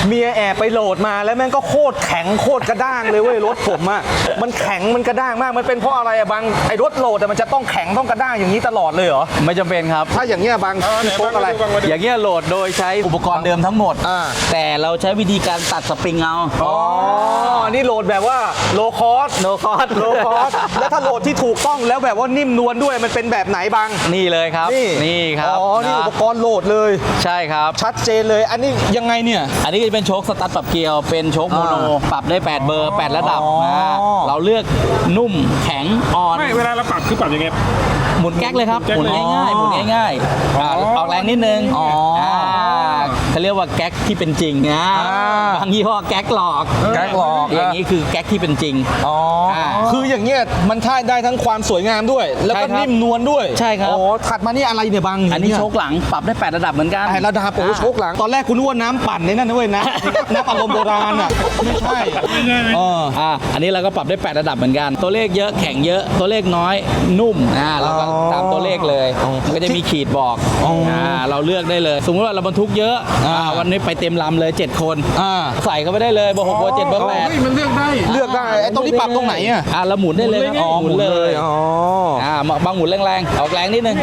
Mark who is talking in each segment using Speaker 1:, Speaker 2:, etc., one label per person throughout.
Speaker 1: เมียแอบไปโหลดมาแล้วแม่งก็โคตรแข็งโคตรกระด้างเลยเว้ยรถผมอ่ะมันแข็งมันกระด้างมากมันเป็นเพราะอะไรอะบางไอ้รถโหลดมันจะต้องแข็งต้องกระด้างอย่างนี้ตลอดเลยเหรอ
Speaker 2: ไม่จำเป็นครับ
Speaker 1: ถ้าอย่างเงี้ยบางโชคอะไร
Speaker 2: อย่างเงี้ยโหลดโดยใช้อุปกรณ์เดิมทั้งหมด แต่เราใช้วิธีการตัดสปริงเอา
Speaker 1: อ๋อนี่โหลดแบบว่าโลคอส
Speaker 2: โลคอส
Speaker 1: โลคอสแล้วถ้าโหลดที่ถูกต้องแล้วแบบว่านิ่มนวลด้วยมันเป็นแบบไหนบาง
Speaker 2: นี่เลยครับนี่ครับ
Speaker 1: อ๋อนี่อุปกรณ์โหลดเลย
Speaker 2: ใช่ครับ
Speaker 1: ชัดเจนเลยอันนี้ยังไงเนี่ย
Speaker 2: อันนี้จะเป็นโชคสตาร์ทปรับเกียร์เป็นโชคโมโนปรับได้8เบอร์8ระดับเราเลือกนุ่มแข็งอ่อน
Speaker 3: ไม่เวลาเราปรับคือปรับยังไง
Speaker 2: หมุนแก๊กเลยครับหมุนง่ายๆหมุนง่ายๆออกแรงนิดนึงเขาเรียกว่าแก๊กที่เป็นจริงนะบางยี่ห้อแก๊กหลอกอย่างนี้คือแก๊กที่เป็นจริง
Speaker 1: คืออย่างเงี้ยมันท่าได้ทั้งความสวยงามด้วยแล้วก็นิ่มนวลด้วย
Speaker 2: ใช่ครับ
Speaker 1: อ๋อถัดมานี่อะไรเนี่ยบาง
Speaker 2: อันนี้โชคหลังปรับได้8ระดับเหมือนกัน
Speaker 1: 8ระดับโอ้โชคหลังตอนแรกคุณนึกว่าน้ำปั่นในนั่นนะเว้ยนะน้ำอารมณ์โบราณอ่ะไม่ใช่
Speaker 2: อันนี้เราก็ปรับได้8ระดับเหมือนกันตัวเลขเยอะแข็งเยอะตัวเลขน้อยนุ่มเราก็ตามตัวเลขเลยมันก็จะมีขีดบอกเราเลือกได้เลยสมมติว่าเราบรรทุกเยอะวันนี้ไปเต็มลำเลย7คนใส่เข้าไปได้เลยเบอร์6เบอร์7เบอร์8
Speaker 3: มันเลือกได้
Speaker 1: ไอ้ตรงนี้ปรับตรงไหนอ่ะ
Speaker 2: เราหมุนได้เลยหมุนเลยบางหมุนแรงๆออกแรงนิดนึง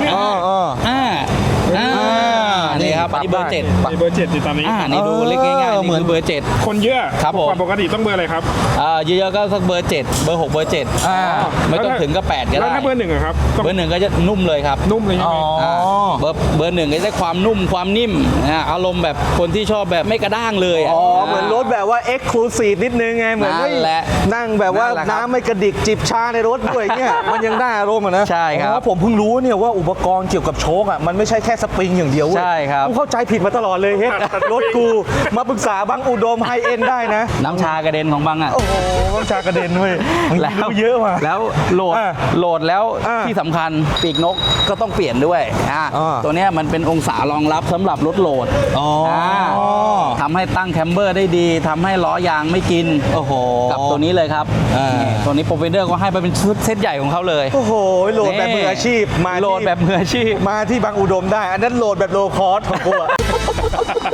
Speaker 2: นี่ครับอันนี้เบอร์7
Speaker 3: เบอร์7ติดตามนี้
Speaker 2: นี่ดูเล็กง่ายๆเหมือนเบอร์7
Speaker 3: คนเยอะ
Speaker 2: ครับผม
Speaker 3: ปกติต้องเบอร์อะไรครับ
Speaker 2: เยอะๆก็สักเบอร์7เบอร์6เบอร์7ไม่ต้องถึงก็8ก็ได้
Speaker 3: แล้วถ้าเบอร์1อะครับ
Speaker 2: เบอร์1ก็จะนุ่มเลยครับ
Speaker 3: นุ่มเลยใช่ไหม
Speaker 2: เบอร์1ก็จะได้ความนุ่มความนิ่มอารมณ์แบบคนที่ชอบแบบไม่กระด้างเลย
Speaker 1: เหมือนรถแบบว่า Exclusive นิดนึงไงเหมือนนั่งแบบว่าน้ำไม่กระดิกจิบชาในรถด้วยเนี่ยมันยังได้อารมณ์นะ
Speaker 2: ใช่ครับ
Speaker 1: ผมเพิ่งรู้เนี่ยว่าอุปกรณ์เกี่ยวกับโชคอ่ะมันไม่ใช่แค่สปริงอย่างเดียวเว้ย
Speaker 2: ใช่ครับ
Speaker 1: กูเข้าใจผิดมาตลอดเลยเฮ้ยรถกูมาปรึกษาบางอุดมไฮเอ็นได้นะ
Speaker 2: น้ำชากระเด็นของบางอ่ะ
Speaker 1: โอ้โหน้ำชากระเด็นเว้ยแล้ว
Speaker 2: เยอะมาแล้วโหลดแล้วที่สำคัญปีกนกก็ต้องเปลี่ยนด้วยตัวนี้มันเป็นองศารองรับสำหรับรถโหลดทำให้ตั้งแคมเบอร์ได้ดีทำให้ล้อยางไม่กินกับตัวนี้เลยครับตัวนี้โปรเฟนเดอร์ก็ให้ไปเป็นชุดเซตใหญ่ของเขาเลย
Speaker 1: โอ้โหโหลดแบบมืออาชีพ
Speaker 2: โหลดแบบมืออาชีพ
Speaker 1: มาที่บางอุดมได้อันนั้นโหลดแบบโลคอสของกู